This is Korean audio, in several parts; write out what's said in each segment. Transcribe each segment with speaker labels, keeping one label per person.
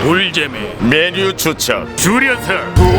Speaker 1: 돌잼의
Speaker 2: 메뉴 추천
Speaker 1: 줄여서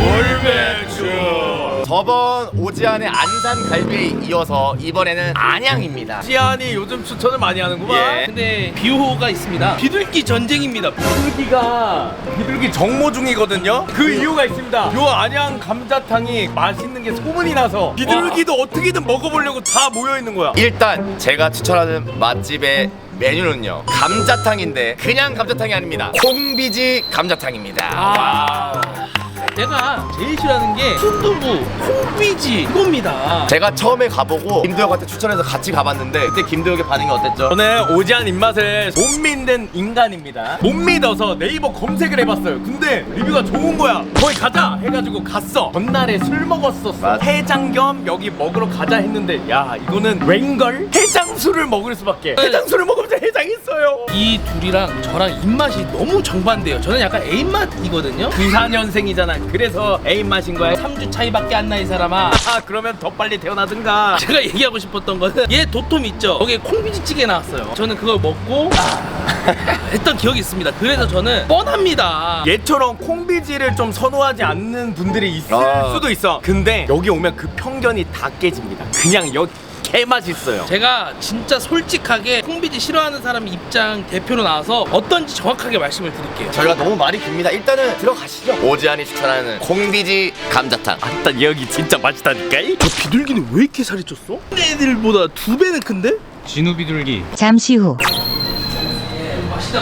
Speaker 2: 돌매추. 저번 오지안의 안산 갈비에 이어서 이번에는 안양입니다.
Speaker 3: 지안이 요즘 추천을 많이 하는구만.
Speaker 2: 예.
Speaker 3: 근데 비호가 있습니다. 비둘기 전쟁입니다. 비둘기 정모 중이거든요. 그 이유가 있습니다. 요 안양 감자탕이 맛있는 게 소문이 나서 비둘기도 어떻게든 먹어보려고 다 모여 있는 거야.
Speaker 2: 일단 제가 추천하는 맛집의 메뉴는요, 감자탕인데 그냥 감자탕이 아닙니다. 콩비지 감자탕입니다.
Speaker 3: 내가 제일 싫어하는 게 순두부, 콩비지 이겁니다.
Speaker 2: 제가 처음에 가보고 김도혁한테 추천해서 같이 가봤는데 그때 김도혁의 반응이 어땠죠?
Speaker 3: 저는 오지안 입맛을 못 믿는 인간입니다. 못 믿어서 네이버 검색을 해봤어요. 근데 리뷰가 좋은 거야. 거기 가자 해가지고 갔어. 전날에 술 먹었었어.
Speaker 2: 맞아.
Speaker 3: 해장 겸 여기 먹으러 가자 했는데 야 이거는 웬걸? 해장술을 먹을 수밖에. 해장술을 먹으면서 해장했어요. 이 둘이랑 저랑 입맛이 너무 정반대예요. 저는 약간 A 맛이거든요. 94년생이잖아. 그래서 A 맛인 거야. 3주 차이밖에 안 나 이 사람아. 그러면 더 빨리 태어나든가. 제가 얘기하고 싶었던 거는 얘 도톰 있죠. 거기에 콩비지찌개 나왔어요. 저는 그걸 먹고 했던 기억이 있습니다. 그래서 저는 뻔합니다. 얘처럼 콩비지를 좀 선호하지 않는 분들이 있을 수도 있어. 근데 여기 오면 그 편견이 다 깨집니다. 그냥 여기 개맛있어요. 제가 진짜 솔직하게 콩비지 싫어하는 사람 입장 대표로 나와서 어떤지 정확하게 말씀을 드릴게요.
Speaker 2: 저희가 너무 말이 깁니다. 일단은 들어가시죠. 오지안이 추천하는 콩비지 감자탕.
Speaker 3: 일단 여기 진짜 맛있다니까. 저 비둘기는 왜 이렇게 살이 쪘어? 애들보다 2배는 큰데?
Speaker 1: 진우 비둘기
Speaker 4: 잠시 후
Speaker 3: 맛있다.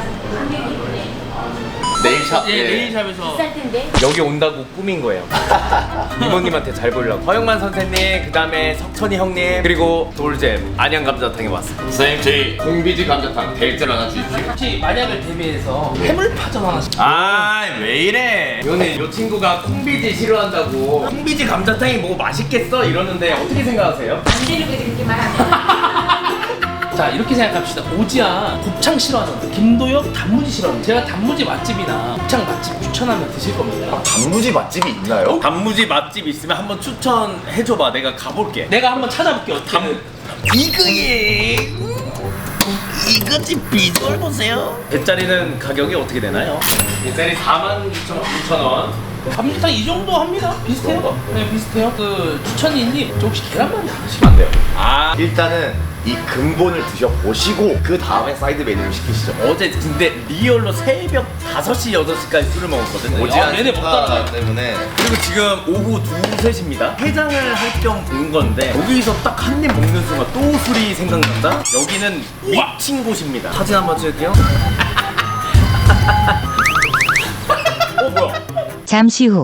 Speaker 2: 네일샵.
Speaker 3: 예, 네일샵에서
Speaker 5: 비쌀 텐데.
Speaker 3: 여기 온다고 꾸민 거예요. 이모님한테 잘 보려고. 허영만 선생님, 그 다음에 석천이 형님, 그리고 돌잼 안양 감자탕에 왔습니다.
Speaker 2: 선생님, 저희 콩비지 감자탕 데이트를 하나 주십시오.
Speaker 3: 혹시 만약을 대비해서 해물파전 하나씩. 왜 이래? 이거는 요 친구가 콩비지 싫어한다고. 콩비지 감자탕이 뭐 맛있겠어 이러는데 어떻게 생각하세요?
Speaker 5: 안 되는 거 그렇게 말하면.
Speaker 3: 자 이렇게 생각합시다. 오지안 곱창 싫어하잖아. 김도혁 단무지 싫어하는. 제가 단무지 맛집이나 곱창 맛집 추천하면 드실 겁니다.
Speaker 2: 단무지 맛집이 있나요?
Speaker 3: 단무지 맛집 있으면 한번 추천해줘봐. 내가 가볼게. 내가 한번 찾아볼게. 이거예. 이거지 비주얼 보세요. 배짜리는 가격이 어떻게 되나요? 배짜리 42,900원. 감자탕 이 정도 합니다. 비슷해요. 네 비슷해요. 그 추천이님 저 혹시 계란말이 하시면 안 돼요?
Speaker 2: 일단은 이 근본을 드셔보시고 그 다음에 사이드 메뉴를 시키시죠.
Speaker 3: 어제 근데 리얼로 새벽 5시 6시까지 술을 먹었거든요.
Speaker 2: 오지안
Speaker 3: 얘네 먹다가
Speaker 2: 때문에.
Speaker 3: 그리고 지금 오후 2, 3시입니다. 해장을 할 겸 온 건데 여기서 딱 한 입 먹는 순간 또 술이 생각난다? 여기는 미친 곳입니다. 사진 한번 찍을게요. 뭐야?
Speaker 4: 잠시 후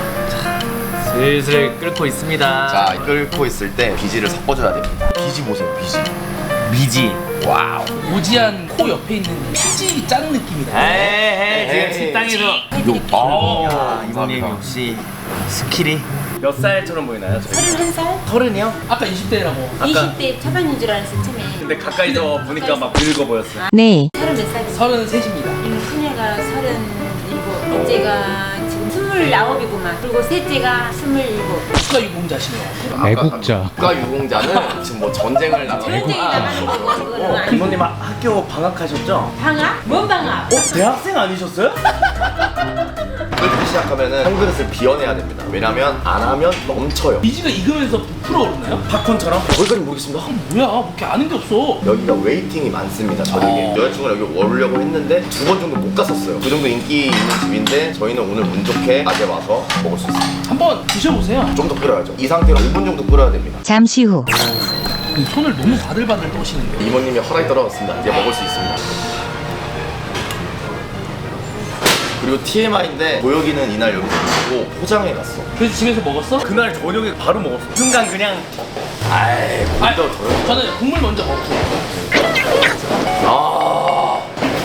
Speaker 3: 슬슬 끓고 있습니다.
Speaker 2: 자, 끓고 있을 때 비지를 섞어줘야 됩니다. 비지 보세요, 비지.
Speaker 3: 미지.
Speaker 2: 와우.
Speaker 3: 오지안 코 옆에 있는 피지 짠 느낌이다.
Speaker 2: 에이,
Speaker 3: 지금 식당에서
Speaker 2: 아,
Speaker 3: 이모님 역시 스킬이 몇 살처럼 보이나요?
Speaker 5: 31살?
Speaker 3: 30이요? 아까 20대라고.
Speaker 5: 20대 초반인 줄 알았어, 처음에.
Speaker 3: 근데 가까이서 보니까 막 늙어 보였어요.
Speaker 4: 내일
Speaker 5: 30몇 살이지?
Speaker 3: 33입니다.
Speaker 5: 큰애가 37, 둘째가 지금 29이구만. 그리고 셋째가 27.
Speaker 3: 국가 유공자시네요.
Speaker 1: 애국자
Speaker 2: 국가유공자는 지금 뭐 전쟁을 나가고
Speaker 5: 전쟁이 나가는 거고, 그거는 아니고.
Speaker 3: 이모님 학교 방학하셨죠?
Speaker 5: 방학? 뭔 방학?
Speaker 3: 대학생 아니셨어요?
Speaker 2: 끓기 시작하면은 한 그릇을 비워내야 됩니다. 왜냐면 안 하면 넘쳐요.
Speaker 3: 비지가 익으면서 부풀어 오르나요? 팝콘처럼?
Speaker 2: 거기까지 모르겠습니다.
Speaker 3: 뭐야, 뭐 이렇게 아는 게 없어.
Speaker 2: 여기가 웨이팅이 많습니다. 저녁에 여자친구가 여기 오려고 했는데 2번 정도 못 갔었어요. 그 정도 인기 있는 집인데 저희는 오늘 운 좋게 낮에 와서 먹을 수 있습니다.
Speaker 3: 한번 드셔보세요.
Speaker 2: 좀 더 끓여야죠. 이 상태로 5분 정도 끓여야 됩니다.
Speaker 4: 잠시 후
Speaker 3: 손을 너무 바들바들 떠시는데.
Speaker 2: 이모님이 허락이 떨어졌습니다. 이제 먹을 수 있습니다. 그리고 TMI인데 도혁이는 이날 여기서 먹고 포장해 갔어.
Speaker 3: 그래서 집에서 먹었어? 그날 저녁에 바로 먹었어. 순간 그냥.
Speaker 2: 아이, 먼저 도혁.
Speaker 3: 저는 국물 먼저 먹고.
Speaker 2: 아,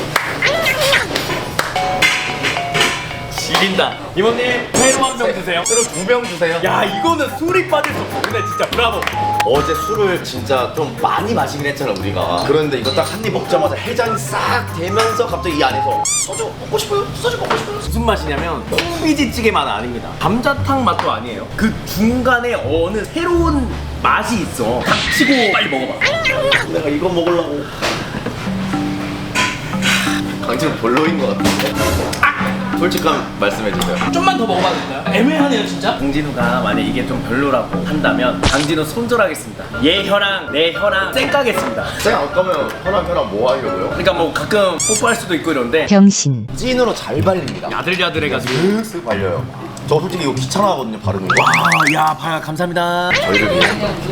Speaker 3: 지린다. 이모님, 회로 한 병 드세요.
Speaker 2: 새로 2병 주세요.
Speaker 3: 야, 이거는 술이 빠질 수 없어. 근데 진짜 브라보.
Speaker 2: 어제 술을 진짜 좀 많이 마시긴 했잖아 우리가. 그런데 이거 딱 한 입 먹자마자 해장이 싹 되면서 갑자기 이 안에서 소주 먹고 싶어요? 소주 먹고 싶어요?
Speaker 3: 무슨 맛이냐면 콩비지찌개 맛 아닙니다. 감자탕 맛도 아니에요. 그 중간에 어느 새로운 맛이 있어. 닥치고 빨리 먹어봐.
Speaker 2: 내가 이거 먹으려고. 강진은 별로인 것 같은데. 솔직한 말씀해주세요.
Speaker 3: 좀만 더 먹어봐도 될까요? 애매하네요 진짜.
Speaker 1: 강진우가 만약 이게 좀 별로라고 한다면 강진우 손절하겠습니다. 얘 혀랑 내 혀랑 쌩까겠습니다.
Speaker 2: 쌩 안 까면 혀랑 뭐 하려고요?
Speaker 1: 그러니까 뭐 가끔 뽀뽀할 수도 있고 이런데
Speaker 4: 병신.
Speaker 2: 찐으로 잘 발립니다.
Speaker 1: 야들야들해가지고.
Speaker 2: 쓱쓱 발려요. 저 솔직히 이거 귀찮아하거든요, 바르는 거.
Speaker 1: 야 봐요 감사합니다.
Speaker 2: 저희를 위해.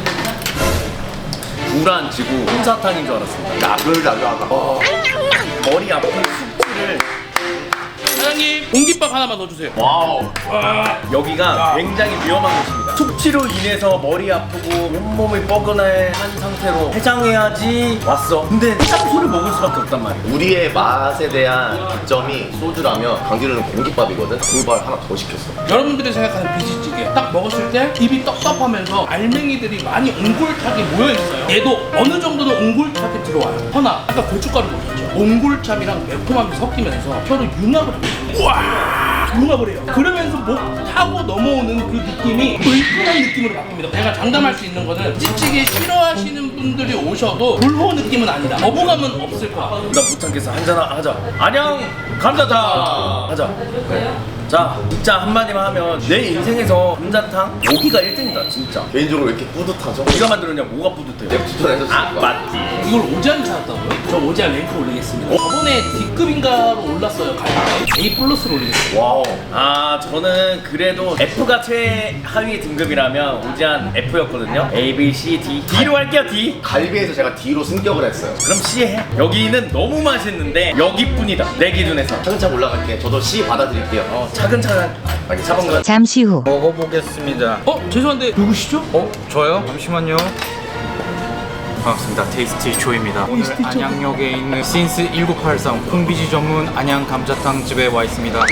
Speaker 1: 불안치고 솜사탕인 줄 알았습니다.
Speaker 2: 약을 나가가.
Speaker 1: 머리 아픈 숙취를.
Speaker 3: 사장님 공깃밥 하나만 넣어주세요.
Speaker 1: 와우. 여기가 굉장히 위험한 곳입니다. 숙취로 인해서 머리 아프고 온몸이 뻐근한 상태로 해장해야지 왔어. 근데 해장소를 먹을 수밖에 없단 말이야.
Speaker 2: 우리의 맛에 대한 기점이 소주라면 강진우는 공깃밥이거든. 공깃밥 하나 더 시켰어.
Speaker 3: 여러분들이 생각하는 비지찌개 딱 먹었을 때 입이 떡떡하면서 알맹이들이 많이 옹골차게 모여있어요. 얘도 어느 정도는 옹골차게 들어와요. 허나 아까 고춧가루 먹었죠. 옹골참이랑 매콤함이 섞이면서 혀를 융합을 해요. 우와 융합을 해요. 그러면서 목 타고 넘어오는 그 느낌이 불편한 느낌으로 바뀝니다. 제가 장담할 수 있는 거는 찌찌개 싫어하시는 분들이 오셔도 불호 느낌은 아니다. 거부감은 없을 거야.
Speaker 1: 나 못 참겠어. 한잔 하자. 안녕 감자탕 하자. 자 진짜 한마디만 하면 내 인생에서 감자탕 여기가 1등이다 진짜.
Speaker 2: 개인적으로 왜 이렇게 뿌듯하죠?
Speaker 1: 네가 만들었냐 뭐가 뿌듯해.
Speaker 2: 내가 추천해줬으니까.
Speaker 1: 아 맞지.
Speaker 3: 이걸 오지안 찾았다고요? 저 오지안 랭크 올리겠습니다. 저번에 D급인가로 올랐어요. 가격이 A 플러스로 올리겠습니다.
Speaker 2: 와우.
Speaker 1: 아 저는 그래도 F가 최하위 등급이라면 오지안 F였거든요. A, B, C, D. D로 할게요 D.
Speaker 2: 갈비에서 제가 D로 승격을 했어요.
Speaker 1: 그럼 C 해. 여기는 너무 맛있는데 여기뿐이다 내 기준에서.
Speaker 2: 차근차근 올라갈게. 저도 C 받아드릴게요.
Speaker 1: 차근차근 차분근.
Speaker 4: 잠시 후.
Speaker 6: 먹어보겠습니다.
Speaker 3: 죄송한데 누구시죠?
Speaker 6: 저요? 잠시만요. 반갑습니다. 테이스티 조입니다. 오늘 안양역에 있는 신스 1983 콩비지 전문 안양 감자탕 집에 와 있습니다.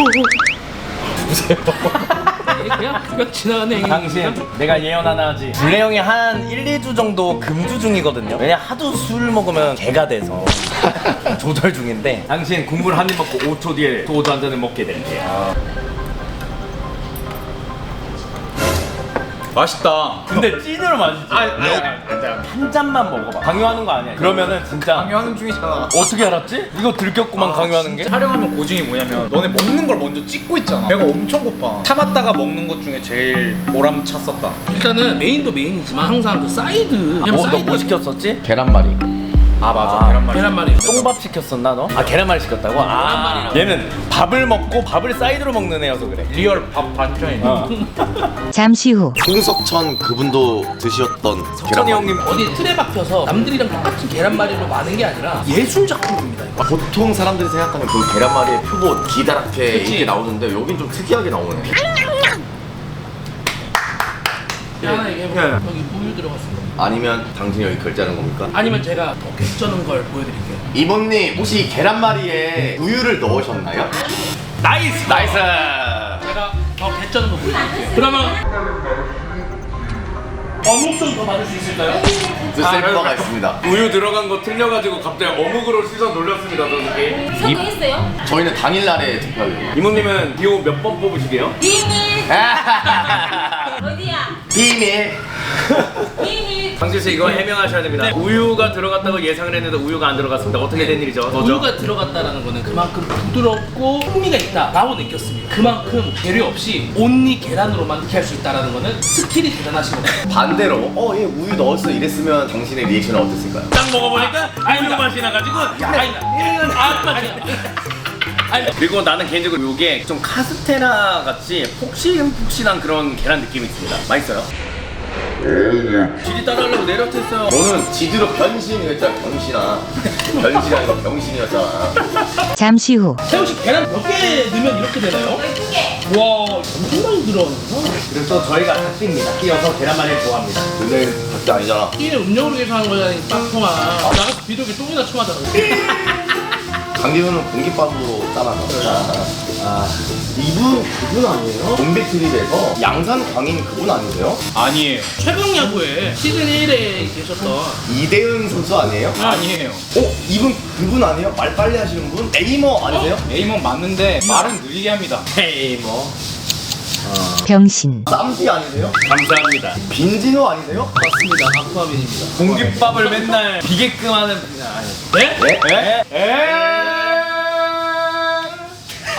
Speaker 3: 그냥 지나가는
Speaker 1: 당신 내가 예언 하나 하지. 블레 형이 한 1, 2주 정도 금주 중이거든요. 왜냐 하도 술 먹으면 개가 돼서 조절 중인데 당신 국물 한 입 먹고 5초 뒤에 소주 한 잔을 먹게 될게요.
Speaker 6: 맛있다.
Speaker 1: 근데 찐으로 맛있지. 한 잔만 먹어봐. 강요하는 거 아니야. 그러면은 진짜
Speaker 6: 강요하는 중이잖아.
Speaker 1: 어떻게 알았지? 이거 들켰구만 강요하는 게.
Speaker 6: 촬영하면 고증이 뭐냐면 너네 먹는 걸 먼저 찍고 있잖아. 배가 엄청 고파. 참았다가 먹는 것 중에 제일 보람찼었다.
Speaker 3: 일단은 메인도 메인이지만 항상 그 사이드
Speaker 1: 뭐 시켰었지?
Speaker 2: 계란말이.
Speaker 6: 아 맞아. 계란말이.
Speaker 3: 계란말이
Speaker 1: 똥밥 시켰었나 너? 아 계란말이 시켰다고? 아
Speaker 3: 계란말이라고.
Speaker 1: 얘는 밥을 먹고 밥을 사이드로 먹는 애여서 그래.
Speaker 6: 리얼 밥 반찬이네.
Speaker 4: 잠시 후.
Speaker 2: 홍석천 그분도 드셨던
Speaker 1: 천이 형님
Speaker 3: 어디 틀에 박혀서 남들이랑 똑같은 계란말이로 많은 게 아니라 예술 작품입니다. 이거.
Speaker 2: 보통 사람들이 생각하는 그 계란말이의 표본 기다랗게
Speaker 3: 그치.
Speaker 2: 이렇게 나오는데 여긴 좀 특이하게 나오네.
Speaker 3: 하나 얘기해볼게요. 여기 우유 들어갔습니다.
Speaker 2: 아니면 당신이 여기 결제하는 겁니까?
Speaker 3: 아니면 제가 더 개쩌는 걸 보여드릴게요.
Speaker 2: 이모님 혹시 계란말이에 우유를 넣으셨나요?
Speaker 1: 나이스.
Speaker 3: 제가 더 개쩌는 거 보여드릴게요. 그러면 어묵 좀 더 받을 수 있을까요?
Speaker 2: 그 셀프가 있습니다.
Speaker 1: 우유 들어간 거 틀려가지고 갑자기 어묵으로 시선 돌렸습니다 저기.
Speaker 5: 성공했어요?
Speaker 2: 저희는 당일날에 투표해요.
Speaker 1: 이모님은 비호 몇 번 뽑으시게요?
Speaker 5: 비밀 어디야?
Speaker 2: 비밀.
Speaker 5: 비밀
Speaker 1: 강진 씨 이거 해명하셔야 됩니다.
Speaker 3: 네.
Speaker 1: 우유가 들어갔다고 예상을 했는데 우유가 안 들어갔습니다. 어떻게 된 일이죠?
Speaker 3: 우유가 들어갔다는 거는 그만큼 부드럽고 풍미가 있다라고 느꼈습니다. 그만큼 재료 없이 온리 계란으로만 이렇게 할 수 있다는 거는 스킬이 대단하신 겁니다.
Speaker 2: 반대로 얘 우유 넣었어 이랬으면 당신의 리액션은 어땠을까요?
Speaker 1: 딱 먹어보니까 우유 맛이 나가지고 그리고 나는 개인적으로 이게 좀 카스테라 같이 폭신폭신한 그런 계란 느낌이 있습니다. 맛있어요? 질이 따라하려고 내려쳤어요.
Speaker 2: 너는 지드로 변신이었잖아. 변신이 아니고 병신이었잖아.
Speaker 4: 잠시 후.
Speaker 3: 태우 씨 계란 몇 개 넣으면 이렇게 되나요?
Speaker 5: 12개
Speaker 3: 와 엄청 많이 들어가는구나.
Speaker 1: 그래서 저희가 닭띠입니다. 띠여서 계란말이를 좋아합니다.
Speaker 2: 근데 밖에 아니잖아.
Speaker 3: 끼는 음력으로 계산하는 거잖아. 빡통아 나가서 비둘기 똥이나 쳐맞아.
Speaker 2: 강기훈은 공깃밥으로 짜놔서. 이분 아니에요? 좀비트립에서 양산 광인 그분 아니세요?
Speaker 6: 아니에요.
Speaker 3: 최강 야구에 시즌 1에 계셨던
Speaker 2: 이대은 선수 아니에요?
Speaker 6: 아니에요.
Speaker 2: 이분 그분 아니에요? 말 빨리 하시는 분? 에이머 아니세요?
Speaker 6: 에이먼 맞는데 말은 느리게 합니다.
Speaker 1: 헤이 뭐
Speaker 4: 병신.
Speaker 2: 쌈디 아니세요?
Speaker 1: 감사합니다.
Speaker 2: 빈진호 아니세요?
Speaker 3: 맞습니다. 아쿠아맨입니다.
Speaker 1: 공깃밥을 맨날 비게끔 하는
Speaker 3: 네?
Speaker 2: 네?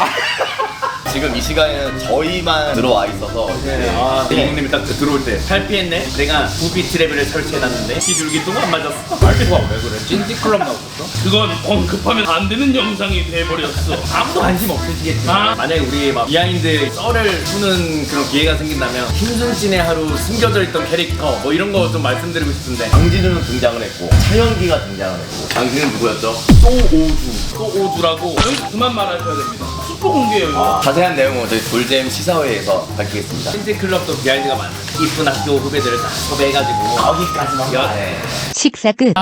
Speaker 2: 지금 이 시간에는 저희만 들어와 있어서
Speaker 1: 형님이 딱 들어올 때 잘 피했네. 내가 부비 트랩을 설치해놨는데 비둘기똥 안 맞았어.
Speaker 3: 말투가 왜 그래? 찐티클럽 나왔어? 그건 언급하면 안 되는 영상이 돼버렸어.
Speaker 1: 아무도 관심 없으시겠지. 만약에 우리 막 비하인드 썰을 푸는 그런 기회가 생긴다면 힘순진의 하루 숨겨져 있던 캐릭터 뭐 이런 거 좀 말씀드리고 싶은데
Speaker 2: 강진우는 등장을 했고 차영기가 등장을 했고 당신은 누구였죠?
Speaker 3: 소오주라고 그만 말하셔야 됩니다. 슈퍼 공개예요 이거.
Speaker 2: 자세한 내용은 저희 돌잼 시사회에서 밝히겠습니다.
Speaker 1: 팬클럽도 비하인드가 많아. 이쁜 학교 후배들을 다 섭외해가지고
Speaker 2: 거기까지만 말해.
Speaker 4: 식사 끝.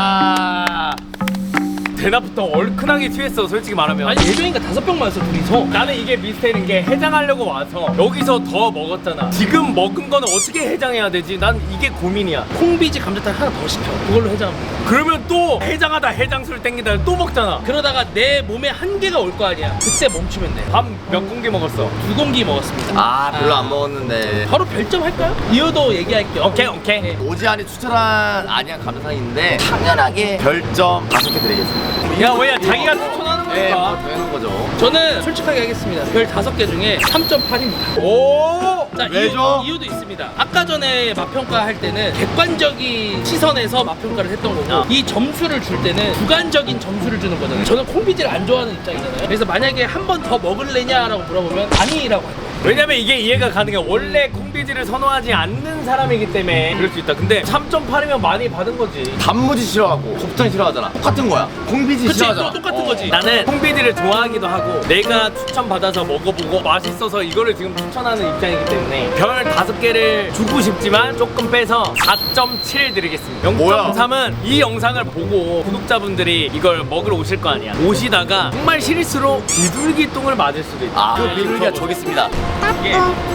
Speaker 1: 대낮부터 얼큰하게 취했어 솔직히 말하면.
Speaker 3: 아니 4병인가 5병 마셨어 둘이서.
Speaker 1: 나는 이게 미스테리인 게 해장하려고 와서 여기서 더 먹었잖아. 지금 먹은 거는 어떻게 해장해야 되지? 난 이게 고민이야.
Speaker 3: 콩비지 감자탕 하나 더 시켜. 그걸로 해장합니다.
Speaker 1: 그러면 또 해장하다 해장술 땡기다 또 먹잖아.
Speaker 3: 그러다가 내 몸에 한계가 올 거 아니야. 그때 멈추면 돼.
Speaker 1: 밥 몇 공기 먹었어?
Speaker 3: 2공기 먹었습니다.
Speaker 2: 아 별로 안 먹었는데.
Speaker 3: 바로 별점 할까요? 이유도 얘기할게요.
Speaker 1: 오케이.
Speaker 2: 오지안이 추천한 안양 감자탕인데 당연하게 별점 5개 드리겠습니다.
Speaker 1: 야 왜야 자기가 추천하는
Speaker 2: 네,
Speaker 1: 거니까.
Speaker 2: 되는 거죠.
Speaker 3: 저는 솔직하게 하겠습니다. 별 5개 중에 3.8입니다.
Speaker 1: 오.
Speaker 3: 자,
Speaker 2: 왜죠?
Speaker 3: 이유도 있습니다. 아까 전에 맛평가 할 때는 객관적인 시선에서 맛평가를 했던 거고 이 점수를 줄 때는 주관적인 점수를 주는 거잖아요. 저는 콩비지를 안 좋아하는 입장이잖아요. 그래서 만약에 한 번 더 먹을래냐라고 물어보면 아니라고 할 거예요.
Speaker 1: 왜냐면 이게 이해가 가는 게 원래 콩비지를 선호하지 않는 사람이기 때문에 그럴 수 있다. 근데 3.8이면 많이 받은 거지.
Speaker 2: 단무지 싫어하고 곱창 싫어하잖아. 똑같은 거야. 콩비지
Speaker 3: 그치?
Speaker 2: 싫어하잖아.
Speaker 3: 똑같은 거지.
Speaker 1: 나는 콩비지를 좋아하기도 하고 내가 추천받아서 먹어보고 맛있어서 이거를 지금 추천하는 입장이기 때문에 별 5개를 주고 싶지만 조금 빼서 4.7 드리겠습니다.
Speaker 2: 뭐야?
Speaker 1: 0.3은 이 영상을 보고 구독자분들이 이걸 먹으러 오실 거 아니야. 오시다가 정말 실수로 비둘기 똥을 맞을 수도 있다.
Speaker 2: 그 비둘기가 저기 있습니다.
Speaker 1: 이게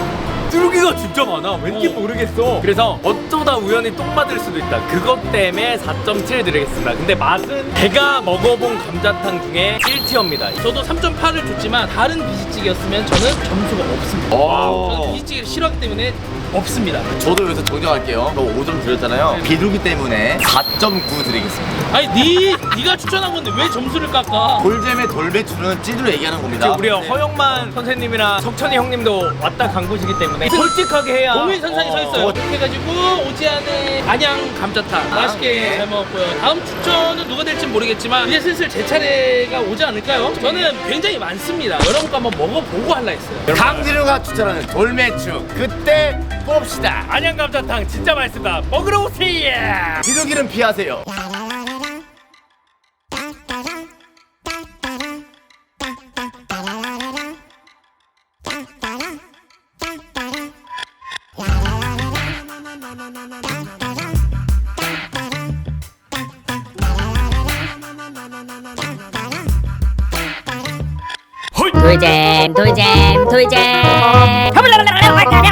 Speaker 1: 뚜루기가 진짜 많아. 왠지 모르겠어. 그래서 어쩌다 우연히 똥 맞을 수도 있다. 그것 때문에 4.7 드리겠습니다. 근데 맛은 제가 먹어본 감자탕 중에 1티어입니다.
Speaker 3: 저도 3.8을 줬지만 다른 비지찌개였으면 저는 점수가 없습니다. 저는 비지찌개를 싫어하기 때문에 없습니다.
Speaker 2: 저도 여기서 정정할게요. 저 5점 드렸잖아요. 비둘기 때문에 4.9 드리겠습니다.
Speaker 3: 아니 네가 추천한 건데 왜 점수를 깎아?
Speaker 2: 돌잼의 돌배추는 찌두로 얘기하는 겁니다.
Speaker 1: 우리 허영만 선생님이랑 석천이 형님도 왔다 간 곳이기 때문에 솔직하게 해야
Speaker 3: 동일선상에 서 있어요. 이렇게 해가지고 오지안의 안양 감자탕 맛있게 잘 먹었고요. 다음 추천은 누가 될지 모르겠지만 이제 슬슬 제 차례가 오지 않을까요? 저는 굉장히 많습니다. 여러분과 한번 먹어보고 할라 했어요.
Speaker 2: 강진우가 추천하는 돌매추 그때 봅시다.
Speaker 1: 안양 감자탕 진짜 맛있습니다. 먹으러 오세요.
Speaker 2: 비둘기는 피하세요.
Speaker 4: 돌잼 돌잼 돌잼